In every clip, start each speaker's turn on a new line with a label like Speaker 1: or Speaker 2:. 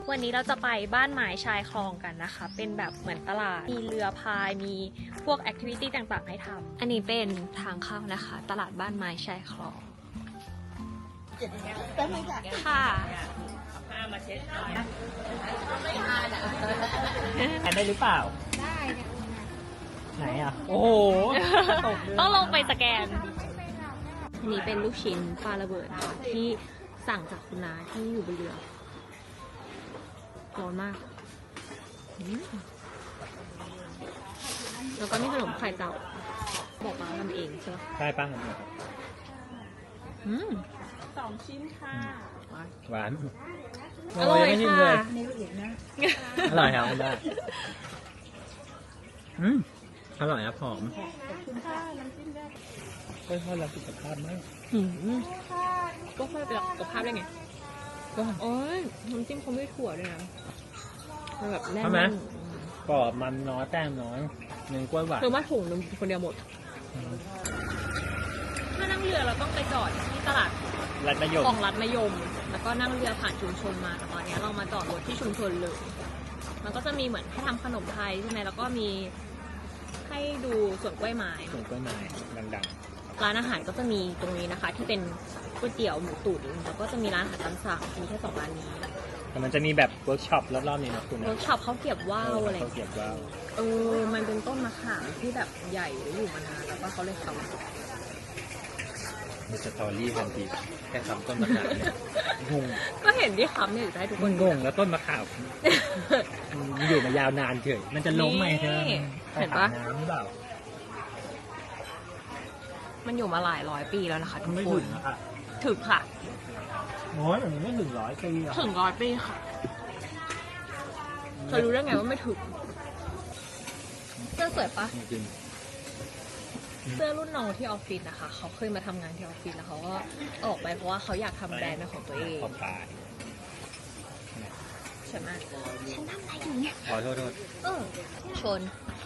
Speaker 1: วันนี้เราจะไปบ้านไม้ชายคลองกันนะคะเป็นแบบเหมือนตลาดมีเรือพายมีพวกแอคทิวิตี้ต่างๆให้ทำอันนี้เป็นทางเข้านะคะตลาดบ้านไม้ชายคลองค่ะ
Speaker 2: ได้หรือเปล่าได้ไหนอ่ะโอ้โห
Speaker 1: ต้องลงไปสแกนอันนี้เป็นลูกชิ้นปลาระเบิดนะคะที่สั่งจากคุณน้าที่อยู่บนเรือร้อนมากแล้วก็มีขนมไข่เต่าบอกมาทำเองใช่ไหม
Speaker 2: ได้ป่ะ
Speaker 1: 2 ชิ้นค่ะ
Speaker 2: หวาน
Speaker 1: อร่อยค่ะ
Speaker 2: อร่อยครับได้อร่อยครับหอมก็ทอดแล้วสุขภาพมาก
Speaker 1: ก็ค่อยไปสุขภาพได้ไงก็โอ้ยน้ำจิ้มเขาไม่ถั่วด้วยนะมันแบบแน่น
Speaker 2: กรอบมันน้อยแป้งน้อยเนื้อกล้วยหวาน
Speaker 1: คือว่าถุงนึงคนเดียวหมดถ้านั่งเรือเราต้องไปจอดที่ตลาด
Speaker 2: รัดมะยม
Speaker 1: ของรัฐมะยมแล้วก็นั่งเรือผ่านชุมชนมาแต่ตอนนี้เรามาจอดรถที่ชุมชนเลยมันก็จะมีเหมือนให้ทำขนมไทยใช่ไหมแล้วก็มีให้ดูสวนกล้วยไม้
Speaker 2: ดัง
Speaker 1: ร้านอาหารก็จะมีตรงนี้นะคะที่เป็นก๋วยเตี๋ยวหมูตุ๋นแล้วก็จะมีร้านอาหารตามสั่งมีแค่2 ร้านนี้
Speaker 2: แต่มันจะมีแบบเวิร์กช็อปรอบๆนี้นะคุณนะ
Speaker 1: เวิร์กช็อปเขาเก็บว่าวอะไร
Speaker 2: เขาเก็บว่าว
Speaker 1: มันเป็นต้นมะขามที่แบบใหญ่อยู่มานานแล้วก็เขาเลยทำ
Speaker 2: มีสตอรี่ทันทีแค่ทำต้นมะขามเนี่ยงง
Speaker 1: ก็เห็นที่คำเนี่ยอยู่ได้ทุกคน
Speaker 2: งงแล้วต้นมะขามอยู่มายาวนานเฉยมันจะล้มไหมเธอ
Speaker 1: เห็นปะ
Speaker 2: น้ำหรือเปล่า
Speaker 1: มันอยู่มาหลาย100 ปีแล้วนะคะทุกคน
Speaker 2: ถึง
Speaker 1: ค่ะ
Speaker 2: โอ้ยมันไม่ถึง100 ปี
Speaker 1: ถึง100 ปีค่ะเธอรู้ได้ไงว่าไม่ถึงเสื้อสวยปะเสื้อรุ่นน้องที่ออฟฟิศนะคะเขาเคยมาทำงานที่ออฟฟิศแล้วเขาก็ออกไปเพราะว่าเขาอยากทำแบรนด์เป็นของตัวเองใช่ไหมฉันทำอะไรอยู่เนี่ย
Speaker 2: ขอโทษ
Speaker 1: ชน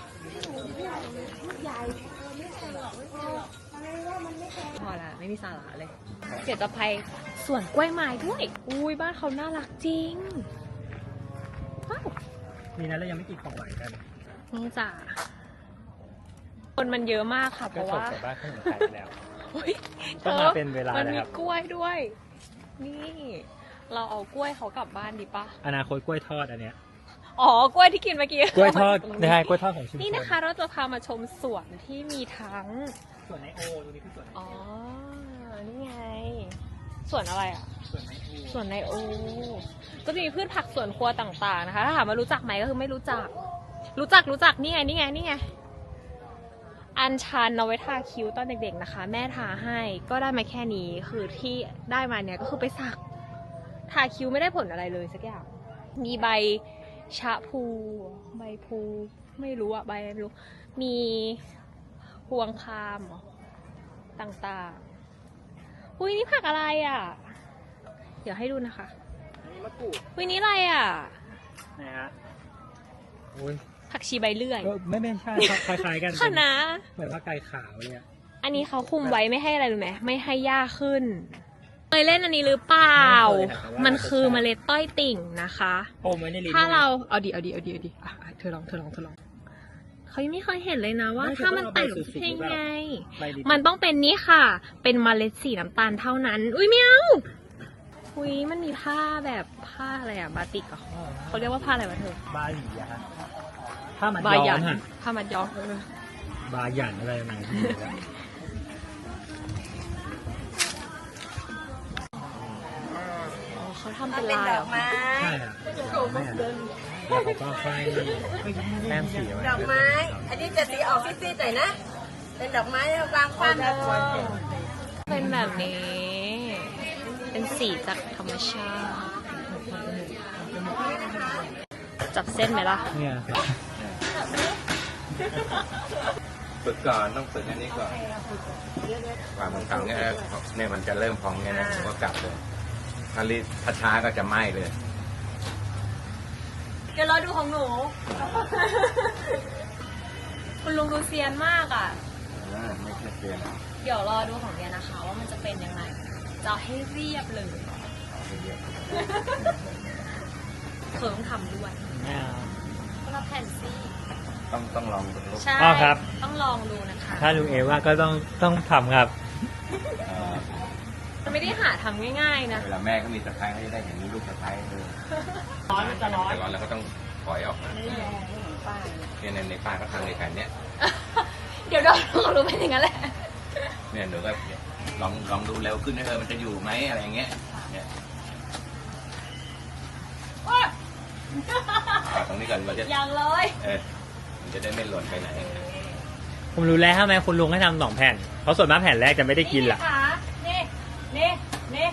Speaker 1: พอละไม่มีสาระเลยเดี๋ยวจะไปสวนกล้วยไม้ด้วยอุ้ยบ้านเขาน่ารักจริงว้าว
Speaker 2: นี่นะแล้วยังไม่กินของหวานกัน
Speaker 1: นี่จ้ะคนมันเยอะมากค่ะเพราะว่า
Speaker 2: บ้านขนมไทยแล้ว
Speaker 1: ก็มาเป็นเวลามันมีกล้วยด้วยนี่เราเอากล้วยเขากลับบ้านดีปะ
Speaker 2: อนาคตกล้วยทอดอันเนี้ย
Speaker 1: กล้วยที่กินเมื่อกี้
Speaker 2: กล้วยทอดได้กล้วยทอดของชุมชน
Speaker 1: นี่นะคะเราจะพามาชมสวนที่มีทั้ง
Speaker 2: สวนไนโอตรงนี้คือสวน
Speaker 1: นี่ไงสวนอะไรอ่ะสวนไนโอก็จะมีพืชผักสวนครัวต่างๆนะคะถ้าถามว่ารู้จักไหมก็คือไม่รู้จักนี่ไงอัญชันเอาไว้ทาคิ้วตอนเด็กๆนะคะแม่ทาให้ก็ได้มาแค่นี้คือที่ได้มาเนี่ยก็คือไปสักทาคิ้วไม่ได้ผลอะไรเลยสักอย่างมีใบชะพูใบพูไม่รู้อะใบไม่รู้มีพวงคามต่างๆอุ้ยนี่ผักอะไรอะเดี๋ยวให้ดูนะคะ
Speaker 2: มะกรูด
Speaker 1: อุ้ยนี่อะไรอะ
Speaker 2: นะฮะ
Speaker 1: ผักชีใบเลื่อย
Speaker 2: ไม่ใช่คล้ายๆกัน
Speaker 1: คะน้า
Speaker 2: เหมือนผักไก่ขาวเนี่ย
Speaker 1: อันนี้เขาคุมไว้ไม่ให้อะไรรู้ไหมไม่ให้หญ้าขึ้นเคยเล่นอันนี้หรือเปล่ามันคือเมล็ดต้อยติ่งนะคะถ้าเราเอาดีเธอลองเขายังไม่เคยเห็นเลยนะว่าถ้ามันแตกเป็นไงมันต้องเป็นนี้ค่ะเป็นเมล็ดสีน้ำตาลเท่านั้นอุ้ยเมียวอุ้ยมันมีผ้าแบบผ้าอะไรอะบาติกเขาเรียกว่าผ้าอะไรวะเธอบ
Speaker 2: าหลีอะผ้ามัดย้อม
Speaker 1: ผ้ามัดย้อม
Speaker 2: บาหยันอะไรนั่น
Speaker 1: เขาทำเป็นลายดอกไม้
Speaker 2: ใช่ค่ะแล้วเขาก็ค่อยแต้มสีไว้
Speaker 3: ดอกไม้อันนี้จะสีออกซีดๆหน่อยนะเป็นดอกไม้วางคว้าง
Speaker 1: เป็นแบบนี้เป็นสีจากธรรมชาติจับเส้นไหมล่ะ
Speaker 2: เนี่ย
Speaker 4: ฝึกก่อนต้องฝึกอันนี้ก่อนกว่ามันทำเนี่ยมันจะเริ่มพองเนี่ยนะผมก็กลับเลยถ้ารีบช้าก็จะไหม้เลย
Speaker 1: เดี๋ยวรอดูของหนูคุณลุงดูเซียนมากอ่ะ
Speaker 4: ไม่ใช่เซียน
Speaker 1: เดี๋ยวรอดูของเดียนะคะว่ามันจะเป็นยังไงจะให้เรียบเลยเธอต้องทำด้วย
Speaker 2: ไม่เอา
Speaker 1: คนละแผ่นสิ
Speaker 4: ต้องลองดูลูก
Speaker 1: ใช่
Speaker 2: อ๋อครับ
Speaker 1: ต้องลองดูนะคะ
Speaker 2: ถ้าลุงเอว่าก็ต้องทำครับ
Speaker 4: เอ่อ
Speaker 1: มันไม่ได้หาทำง่ายๆนะ
Speaker 4: เวลาแม่เขามีสะพ้ายเขาจะได้เห็นลูกสะพ้ายร้อนมันจะร้อนแล้วก็ต้องถอยออกมาเนี่ยในป้าก็ทำในแผ่นเนี้ย
Speaker 1: เดี๋ยวเรารู้เป็นอย่างนั้นแหละ
Speaker 4: เนี่ยเดี๋ยวก็ลองดูเร็วขึ้นนะมันจะอยู่ไหมอะไรอย่างเงี้ยเนี่ยตรงนี้ก่อนเราจะ
Speaker 1: ยังเลย
Speaker 4: มันจะได้ไม่หล่นไปไหน
Speaker 2: ผมรู้แล้วทำไมคุณลุงให้ทำ2 แผ่น เพราะส่วนมากแผ่นแรกจะไม่ได้กินหรอก
Speaker 1: นี่นี่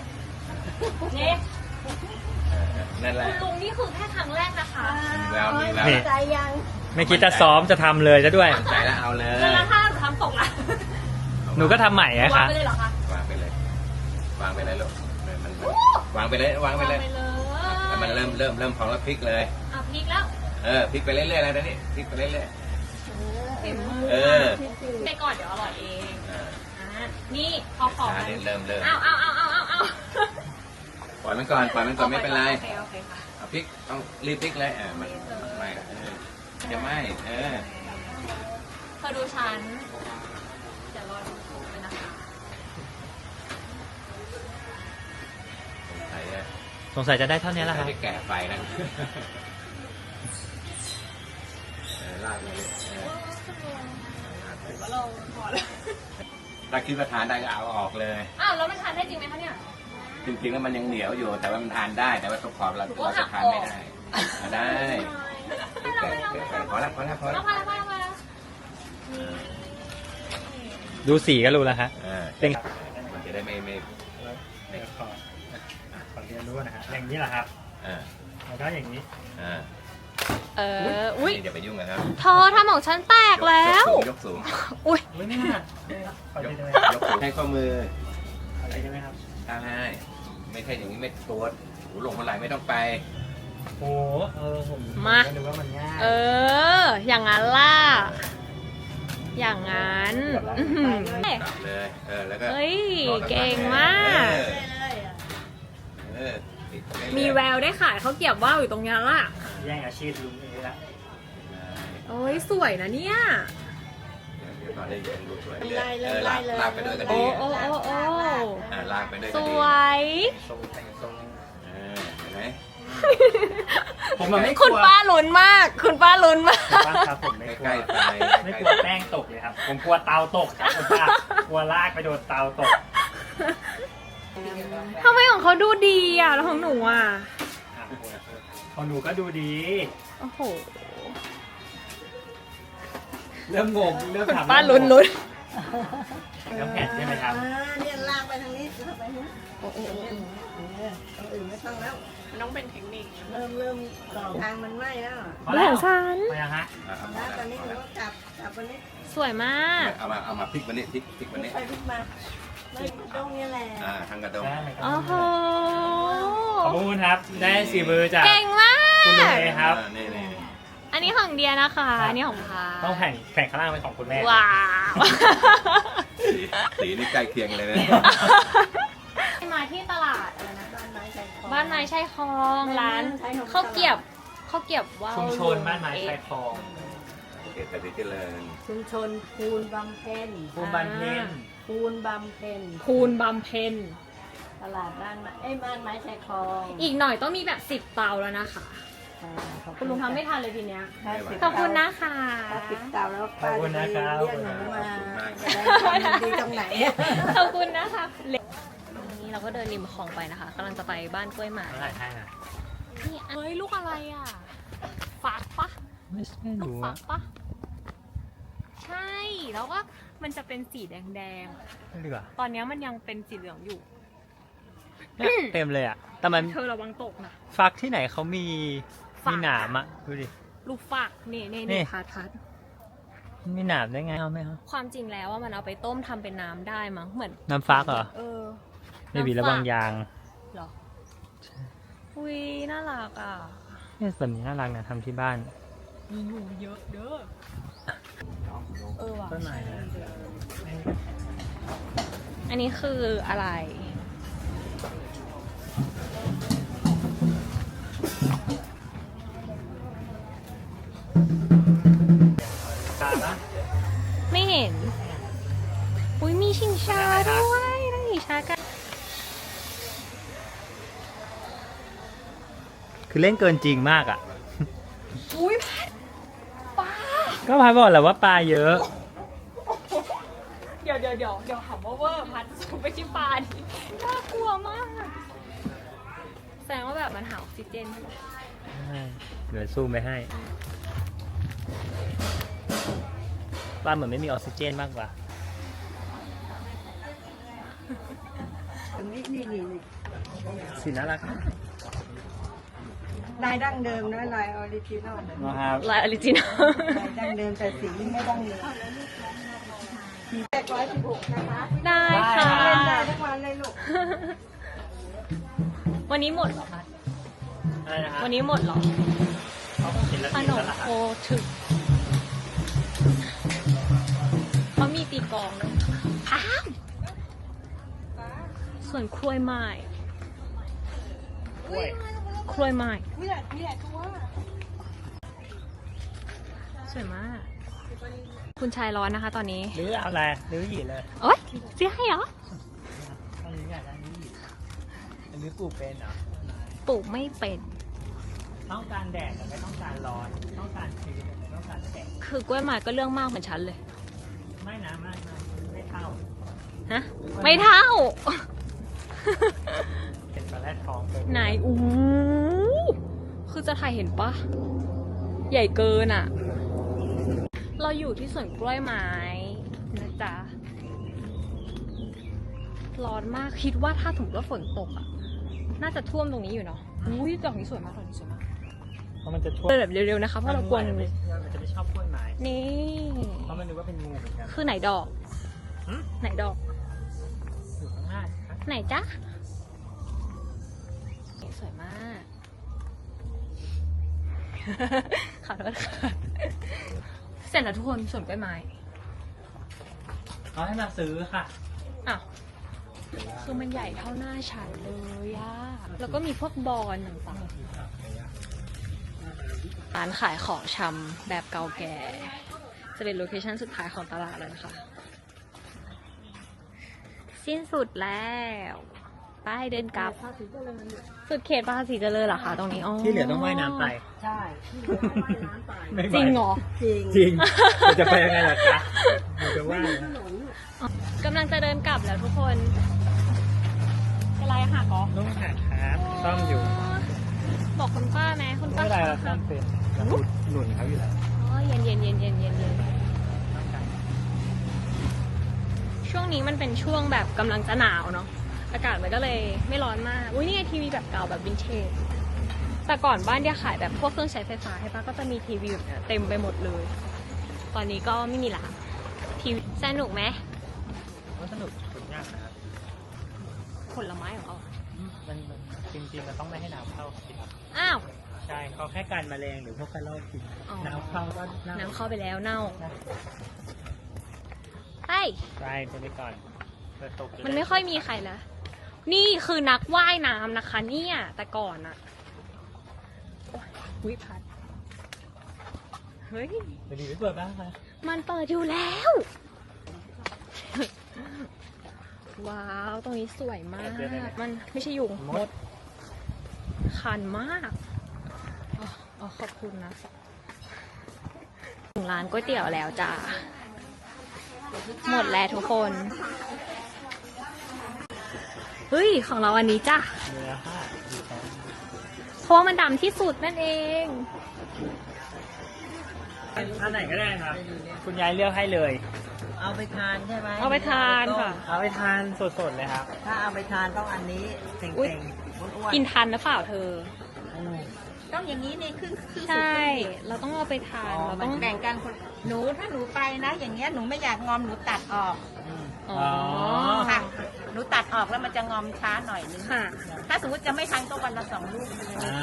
Speaker 4: นั่นแหละ
Speaker 1: คุณลุงนี่คือแค่ครั้งแรกนะคะ
Speaker 4: มีแล้วมีแล้ว
Speaker 2: นี่
Speaker 3: ใจยัง
Speaker 2: ไม่คิดจะซ้อมจะทำเลยซะด้วย
Speaker 4: มั่นใจแล้วเอาเลย
Speaker 1: แล้วถ้าทำตกล่ะ
Speaker 2: หนูก็ทำใหม่นะ
Speaker 1: วาง
Speaker 2: คะ
Speaker 1: ไปเลยเหรอคะ
Speaker 4: วางไปเลย วางไปเลยลูกมันวางไปเลยวางไปเลยแล้วมันเริ่มพองแล้วพลิกเลย
Speaker 1: อ่ะพลิกแล้ว
Speaker 4: พลิกไปเรื่อยๆแล้วนี่พลิกไปเรื่อย
Speaker 1: เต็มมือ
Speaker 4: ๆ
Speaker 1: ไปก่อนเดี๋ยวอร่อยเองนี่พอขอ
Speaker 4: เริ่ม
Speaker 1: เอา
Speaker 4: ปล่อยมันก่อนไม่เป็นไร
Speaker 1: โอเคค่ะ
Speaker 4: เอาพลิกต้องรีบพลิกเลยมันไม่จะไม่
Speaker 1: เธอดูฉันเดี๋ยวรอดูเลยนะคะ
Speaker 2: สงสัยจะได้เท่านี้แหละครับ
Speaker 4: จะแก่ไฟนะลากเลยถ้าคิดว่าทานได้ก็เอาออกเลย
Speaker 1: อ้าวแล้วมันทานได้จริงไหมคะเนี่ย
Speaker 4: จริงๆแล้วมันยังเหนียวอยู่ แต่ว่ามันทานได้แต่ว่าตกขอบเราจะทานไม่ได้ได้พอแล้ว
Speaker 1: พอแล้ว
Speaker 2: ดูสีก็รู้แล้วฮะ เป็น
Speaker 4: มันจะได้ไม่
Speaker 2: ขอเรียนรู้นะฮะอย่างนี้แหละครับแล้วก็อย่างนี้
Speaker 1: อุ้ย
Speaker 4: อย่าไปยุ่งกันครับ
Speaker 1: เธอทำของฉันแตกแล้ว
Speaker 4: ยกสูง
Speaker 1: อุ้ย
Speaker 2: ไม่น่าขอเรียนได้ไหม
Speaker 4: ยกสูงให้ข้อมือ
Speaker 2: อะไรได้ไหมครับ
Speaker 4: ได้ไม่ใช่อย่างนี้ไม่ตัวหูหลงคนไหลไม่ต้องไป
Speaker 2: โอ้ผมนึกว่ามันง่าย
Speaker 1: อย่างนั้นล่ะ อย่างนั้น
Speaker 4: กลับเลยแล้วก็
Speaker 1: เฮ้ย เก่งมาก มีแววได้ขายข้าวเกรี๊ยวว่าวอยู่ตรงนี้ล่ะ
Speaker 2: แย่งอาชีพลุงเอละ
Speaker 1: โอ้ยสวยนะเนี่ย
Speaker 4: ลากไปด้วยก็
Speaker 1: โอ้
Speaker 4: ดี
Speaker 1: โอ้โอ้โอ้
Speaker 4: ลากไปด้วย
Speaker 1: ส
Speaker 4: ก็ดี
Speaker 1: วย
Speaker 2: ทรงแต่งทรง
Speaker 4: เห็นไหม
Speaker 2: ผมมันไม่ก
Speaker 1: คุ
Speaker 2: ลั
Speaker 1: ณ
Speaker 2: ว
Speaker 1: ป้าลุ้นมาก คุณป้าลุ้นมาก
Speaker 2: ป้าครับผมไม่กลัว
Speaker 4: ใกล้ๆไป
Speaker 2: ไม่กลัวแป้งตกเลยครับ ผมกลัวเตาตกครับคุณป้ากลัวลากไปโดนเตาตก
Speaker 1: ทำไมของเขาดูดีอ่ะ แล้วของหนูอ่ะ
Speaker 2: ของหนูก็ดูดี
Speaker 1: โอ้โห
Speaker 2: เริ่มงงเริ่ม
Speaker 1: คุณ
Speaker 2: ถาม
Speaker 1: ป้าลุ้น
Speaker 2: น้ำแผ่นใช่ไหมครับ
Speaker 3: เนี่ยลากไปทางนี้ลากไปนู้นต้องอื่นไม่ต้องแล้ว
Speaker 1: มันต้องเป็นเทคนิค
Speaker 3: เริ่มต่อทางมันไหม้แล้ว
Speaker 1: แหวนฉัน
Speaker 2: พอยังฮะ
Speaker 3: แล้วตอนนี้หนูก็กลับวันนี้
Speaker 1: สวยมาก
Speaker 4: เอามาพลิกวันนี้พลิกวันนี้
Speaker 3: ไปพลิกมาไม่ตรงนี้แหละ
Speaker 4: ทางกระดง
Speaker 1: โอ้โห
Speaker 2: ขอบคุณครับ ได้สีมือจาก
Speaker 1: เก่งมาก
Speaker 2: คุณลุงเอครับ
Speaker 4: นี่
Speaker 1: อันนี้ของเดียนะคะ อันนี้ของพา
Speaker 2: ต้องแผ่นข้างล่างเป็นของคุณแม่
Speaker 1: ว้าว
Speaker 4: สีนี่ใกล้เคียงเลยนะ
Speaker 1: มาที่ตลาดอะไรนะ
Speaker 3: บ้านไม้ใจคอ
Speaker 1: บ้านไม้ชายคลองร้านข้าวเกรี๊ยวว่าว
Speaker 2: ชุมชนบ้านไม้ชายคลอง
Speaker 4: เขตปฏิเจริญ
Speaker 3: ชุมชนภูนบำเพ็ญ
Speaker 2: ภูมิบันเพ็ญ
Speaker 3: ภูนบำเพ็ญ
Speaker 1: คูณบำเพ็ญ
Speaker 3: ตลาดบ้านไม้บ้านไม้ชายคลอง
Speaker 1: อีกหน่อยต้องมีแบบ10 เตาแล้วนะคะ คุณลุงทำไม่ทันเลยทีเนี้ย ขอบคุณนะคะ
Speaker 3: ถ้าปิดเตาแล้วป้าจะไปเรียกหนูมาจะได้ความดีตรงไหน
Speaker 1: ขอบคุณนะคะนี่เราก็เดินริมคลองไปนะคะกำลังจะไปบ้านกล้วยหมา
Speaker 2: เท่าไหร่ให้นะ
Speaker 1: นี่เฮ้ยลูกอะไรอ่ะฟักปะ
Speaker 2: ไม่ใช่
Speaker 1: ลูก
Speaker 2: รู้
Speaker 1: ฟั
Speaker 2: อะ
Speaker 1: กปะใช่แล้วก็มันจะเป็นสีแดง
Speaker 2: ไม่ดีกว่า
Speaker 1: ๆตอนนี้มันยังเป็นสีเหลืองอยู่
Speaker 2: เนี่ยเต็มเลยอ่ะ แต่มัน
Speaker 1: เธอระวังตกนะ
Speaker 2: ฟักที่ไหนเขามี
Speaker 1: ฟัก
Speaker 2: หนามอ่ะ ดูดิ
Speaker 1: ลูกฟักนี่
Speaker 2: นี่
Speaker 1: นี่พัด
Speaker 2: มันมีหนามได้ไงเอาไหมครับ
Speaker 1: ความจริงแล้วว่ามันเอาไปต้มทำเป็นน้ำได้มั้งเหมือน
Speaker 2: น้ำฟักเหรอ ไม่มีระวังยาง
Speaker 1: เหรออุ้ยน่ารักอ่ะ
Speaker 2: เนี่ยแบบนี้น่ารักนะทำที่บ้าน
Speaker 1: มีหนูเยอะเด้อว่ะ
Speaker 2: ต้นไม้นะ
Speaker 1: อันนี้คืออะไร
Speaker 2: ตาละ
Speaker 1: ไม่เห็น อุ้ยมีชิงช้าด้วยนั่งชิงช้ากัน
Speaker 2: คือเล่นเกินจริงมากอ่ะ
Speaker 1: อุ้ยพัดปลา
Speaker 2: ก็พายบอกแหละว่าปลาเยอะ
Speaker 1: เดี๋ยวถามว่าเวอร์พัดไม่ใช่ปลาดิน่ากลัวมาก แสดงว่าแบบมันหาออกซิเจนใช่ไหม
Speaker 2: เดี๋ยวซูมไปให้ปลาเหมือนไม่มีออกซิเจนมากกว่า
Speaker 3: นี่
Speaker 2: สีน่ารัก
Speaker 3: ลายดั้งเดิมนะลายออริจินอล
Speaker 2: นะครับ
Speaker 1: ลายออริจินอล
Speaker 3: ลายดั้งเดิมแต่สีไม่ดั้งเดิมสีแรก116นะคะ
Speaker 1: ได้ค่ะ
Speaker 3: เล่นได้ทุกวันเลยลูก
Speaker 1: วันนี้หมดเหรอพัด
Speaker 2: อะไรนะฮะ
Speaker 1: วันนี้หมดเหรอ
Speaker 2: เขาคงเห็นแล้ว
Speaker 1: ข
Speaker 2: สี
Speaker 1: นม
Speaker 2: แล้วล่ะ
Speaker 1: โคถึกเขามีตีกลองด้วยอ้าวส่วนกล้วยไม้
Speaker 2: กล้วย
Speaker 1: กล้วยไม้
Speaker 3: มีแต่ตัว
Speaker 1: สวยมาก คุณชายร้อนนะคะตอนนี้
Speaker 2: หรือเอาอะไรหรือหยีเลย
Speaker 1: โอ๊ยเสียให้เหรอ
Speaker 2: อันนี้อยากได้นี่อันนี้ปลูกเป็นเหรอ
Speaker 1: ปลูกไม่เป็น
Speaker 2: ต้องการแดดแต่ไม่ต้องการร้อน ต้องการชื้นแต่ไม่ต้องการแดด
Speaker 1: คือกล้วยไม้ก็เรื่องมากเหมือนฉันเลย
Speaker 2: ไม่นะไม่เท่า
Speaker 1: ฮะ ไม่เท่า
Speaker 2: เป็นปลาแรดทองไป
Speaker 1: ไหนอู้คือจะถ่ายเห็นปะ ใหญ่เกินอ่ะ เราอยู่ที่สวนกล้วยไม้นะจ๊ะ ร้อนมาก คิดว่าถ้าสมมติว่าฝนตกอ่ะ น่าจะท่วมตรงนี้อยู่เนาะ อุ้ยดอกนี้สวยมากดอกนี้สวยมาก
Speaker 2: เพราะมันจะท่วม
Speaker 1: เดินแบบเร็วๆนะคะ เพราะเรากลัวงู
Speaker 2: มันจะไม่ชอบกล้วยไม้
Speaker 1: นี่
Speaker 2: เพราะมันนึกว่าเป็นงูเหมือนกัน
Speaker 1: คือไหนดอก
Speaker 2: หืม
Speaker 1: ไหนดอก
Speaker 2: อยู่ข้างหน้าครับ
Speaker 1: ไหนจ๊ะ สวยมาก ขอโทษค่ะ เสร็จแล้วทุกคนส่วนกล้วยไม้
Speaker 2: เขาให้มาซื้อค่ะ
Speaker 1: อ้าว คือมันใหญ่เท่าหน้าฉันเลยอะแล้วก็มีพวกบอลต่างๆ ร้านขายของชำแบบเก่าแก่ จะเป็นโลเคชั่นสุดท้ายของตลาดเลยนะคะ สิ้นสุดแล้วไปเดินกลับ สุดเขตภาษีเจริญเหรอคะตรงนี้อ๋อ
Speaker 2: ที่เหลือต้องว่ายน้ำไป
Speaker 3: ใช่ที่เหลือให้ว่ายน้ำไป
Speaker 2: ไม่ไหว
Speaker 1: จริงเหรอ
Speaker 3: จริง
Speaker 2: จริงเราจะไปยังไงล่ะคะเราจะว่ายนะ
Speaker 1: กำลังจะเดินกลับแล้วทุกคนเป็นไรหักเหรอ
Speaker 2: ต้องหักครับต้องอยู่
Speaker 1: บอกคุณป้าไหมคุณ
Speaker 2: ไม่
Speaker 1: ป้า
Speaker 2: เป็นไรเราต้องเป็นเราหนุนเขาอยู่แล้ว
Speaker 1: อ๋อเย็นเย็นเย็นเย็นเย็นเย็นช่วงนี้มันเป็นช่วงแบบกำลังจะหนาวเนาะอากาศมันก็เลยไม่ร้อนมากอุ้ยนี่ไงทีวีแบบเก่าแบบวินเทจแต่ก่อนบ้านเดียขายแบบพวกเครื่องใช้ไฟฟ้าใช่ปะก็จะมีทีวีแบบเนี้ยเต็มไปหมดเลย ตอนนี้ก็ไม่มีละทีวีสนุกไหม
Speaker 2: มันสนุกยากนะครับ
Speaker 1: ผลไม้ของเขา
Speaker 2: มันจริงๆมันต้องไม่ให้น้ำเข้าสิ
Speaker 1: อ้าว
Speaker 2: ใช่เขาแค่การแมลงหรือพวกกระรอกกิน
Speaker 1: อ๋อ
Speaker 2: น้ำเข้าก็น่า
Speaker 1: น้ำเข้าไปแล้วเน่าไป
Speaker 2: ใช่ไปก่อนเปิดตก
Speaker 1: มันไม่ค่อยมีใครแล้วนี่คือนักว่ายน้ำนะคะเนี่ยแต่ก่อนอะโอ๊ยวิพัดเฮ้ย
Speaker 2: เดี๋ยวดีไปเปิดบ้างคะ
Speaker 1: มันเปิดอยู่แล้ว ว้าว ตรงนี้สวยมาก มันไม่ใช่ยุงมด คันมากอ๋อขอบคุณนะ ถึงร้านก๋วยเตี๋ยวแล้วจ้า หมดแล้วทุกคน เฮ้ย ของเราอันนี้จ้ะ
Speaker 2: เนื้อค่ะดีครับ
Speaker 1: เพราะว่ามันดำที่สุดนั่นเอง
Speaker 2: อันไหนก็ได้ครับ คุณยายเลือกให้เลย
Speaker 3: เอาไปทานใช่ไหม
Speaker 1: เอาไปทานค่ะ
Speaker 2: เอาไปทานสดๆเลยครับ
Speaker 3: ถ้าเอาไปทานต้องอันนี้เต่
Speaker 1: อุ๊ย
Speaker 3: งๆอ้วน
Speaker 1: กินทันหรือเปล่าเธอ
Speaker 3: ๆต้องอย่างนี้นี่ครึ่งสุด
Speaker 1: ใช่ เราต้องเอาไปทาน เรา
Speaker 3: ต้
Speaker 1: ต้
Speaker 3: อ
Speaker 1: อง ง
Speaker 3: แบ่งกันคนหนูถ้าหนูไปนะ อย่างเงี้ยหนูไม่อยากงอมหนูตัดออก
Speaker 1: อ๋อ
Speaker 3: ค่ะหนูตัดออกแล้วมันจะงอมช้าหน่อยนึง
Speaker 1: ค่ะ
Speaker 3: ถ้าสมมติจะไม่ทันก็วันละ2 ลูก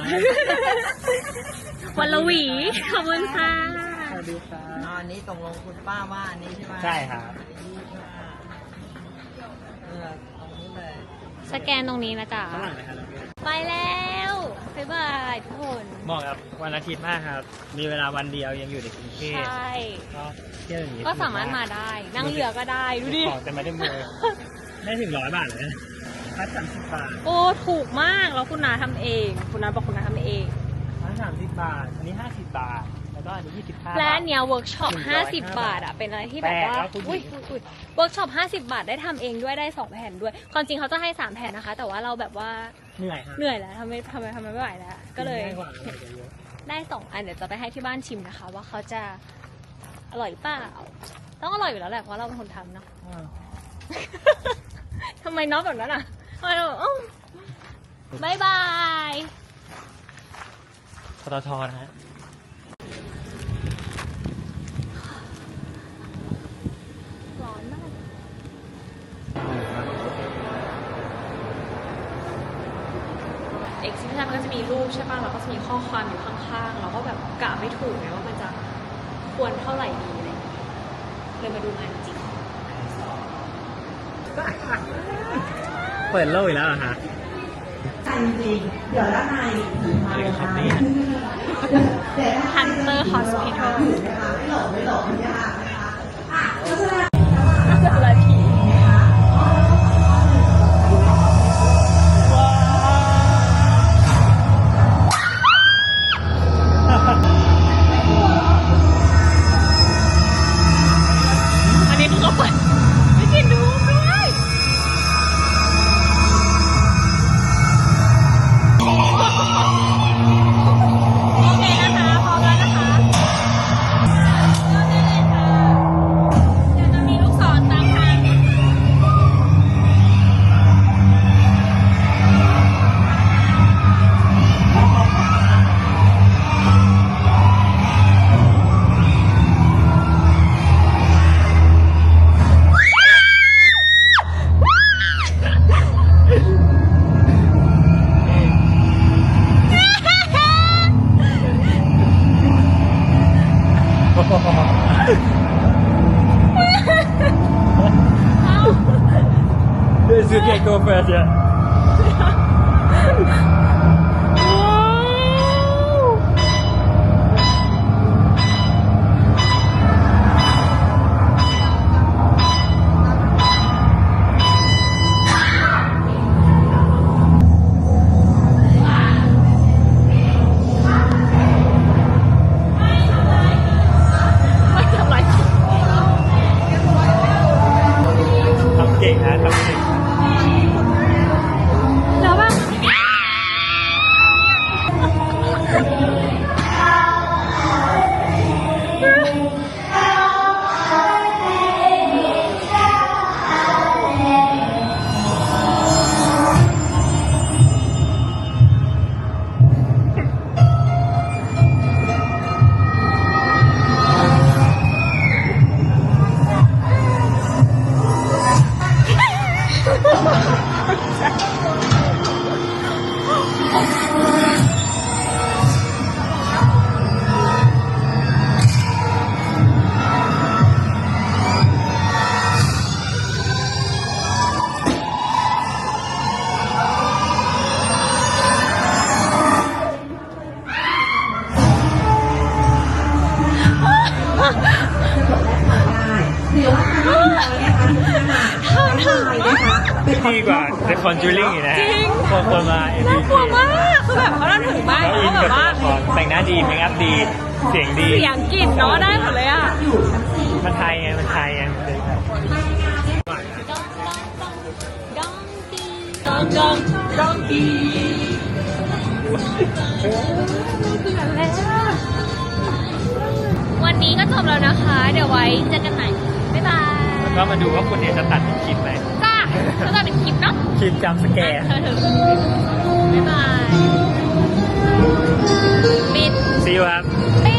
Speaker 1: วันละหวี ขอบคุณค่ะ
Speaker 2: สวัสดีครั
Speaker 3: อ๋อบ อันนี้ตกลงคุณป้าว่าอันนี้ใช่ไหม
Speaker 2: ใช่ครับ
Speaker 3: ตรงนี้เลย
Speaker 1: สแกนตรงนี้นะจ๊ะ
Speaker 2: ฝรั่งไหมครับ
Speaker 1: ไปแล้วบ๊ายบายทุกคน
Speaker 2: เหมาะกับวันอาทิตย์มากครับ มีเวลาวันเดียวยังอยู่ในกรุงเทพ
Speaker 1: ใช่
Speaker 2: ก็เที่ยวอย่างนี้
Speaker 1: ก็สามารถมาได้ นั่งเรือก็ได้ ดูดิ
Speaker 2: ของแต่ไม่ได้มือได้ถึง100 บาทเลยพัด30 บาท
Speaker 1: โอ้ ถูกมาก แล้วคุณนาทำเอง คุณนาบอกคุณนาทำเอง
Speaker 2: พัด30 บาท อันนี้50 บาท แล้วก็อันนี้25 บาท
Speaker 1: และอันเนี้ยเวิร์กช็อป
Speaker 2: 105
Speaker 1: 50 บาทอ่ะ เป็นอะไรที่แบบว่า
Speaker 2: แปลกนะคุณหญิ
Speaker 1: อุ้ย
Speaker 2: ง
Speaker 1: เวิร์กช็อป 50 บาทได้ทำเองด้วย ได้ 2 แผ่นด้วย ความจริงเขาจะให้ 3 แผ่นนะคะ แต่ว่าเราแบบว่า
Speaker 2: เหนื่อยฮะ
Speaker 1: เหนื่อยแล้วทำไม่ไหวแล้ว ก็เลย
Speaker 2: ง่ายกว่าเลยเยอะ
Speaker 1: ได้ 2 อัน เดี๋ยวจะไปให้ที่บ้านชิมนะคะ ว่าเขาจะอร่อยเปล่า ต้องอร่อยอยู่แล้วแหละ เพราะเราเป็นคนทำเนาะ
Speaker 2: อ้าว
Speaker 1: ทำไมน็อกแบบนั้นอ่ะทำไมเราบายบาย
Speaker 2: ปตทนะฮะ
Speaker 1: ร้อนมาก เอ็กซิบิชันมันก็จะมีรูปใช่ป่ะแล้วก็จะมีข้อความอยู่ข้างๆ เราก็แบบกะไม่ถูกไงว่ามันจะควรเท่าไหร่ดีอะไรอย่างเงี้ยเลยมาดูงานจริง
Speaker 2: เปิดโลกอีกแล้วเหรอฮะ
Speaker 3: เดี๋ยวด้านใน
Speaker 2: อะไรกันครับเนี่ย
Speaker 1: ฮันเตอร์ฮอสพิทอล
Speaker 3: ไม่หลงไม่ยากนะคะอ่ะเพราะฉะนั้น
Speaker 1: อะไรผีอันนี้คือเขาเปิดไม่กินดูด้วยโอเคนะคะ พร้อมแล้วนะคะ เดี๋ยวจะมีลูกศรตามทางเอา
Speaker 2: This is get go first, yeah.
Speaker 1: ไม่ทำไร
Speaker 2: ทำเก่งนะทำเก่ง
Speaker 1: แล้วแบบ
Speaker 2: ดีกว่า The Conjuring อีกนะ
Speaker 1: จริง
Speaker 2: คนมา
Speaker 1: น่ากลัวมาก คือแบบเขาเล่าถึงมาก
Speaker 2: แล้ว
Speaker 1: เขา
Speaker 2: อิน
Speaker 1: แบ
Speaker 2: กับบ
Speaker 1: ว่า
Speaker 2: ตัวละครแต่งหน้าดีเมคอัพดี เสียงดี
Speaker 1: เสียงกลิ่นเนาะได้หมดเลยอ่ะ
Speaker 2: มันไทยไง มันไทยไงมันเลย
Speaker 1: ดองดองดองกีวันนี้ก็จบแล้วนะคะ เดี๋ยวไว้เจอกันใหม่ บ๊ายบาย
Speaker 2: แล้วก็มาดูว่าคุณเนี่ยจะตัดเป็นคลิปไหม
Speaker 1: จ้าก็จะเป็นคลิปเนาะ
Speaker 2: คลิปจำสแกร์
Speaker 1: เธอถึงบ๊ายบาย ปิด
Speaker 2: See you ครับ
Speaker 1: ปิด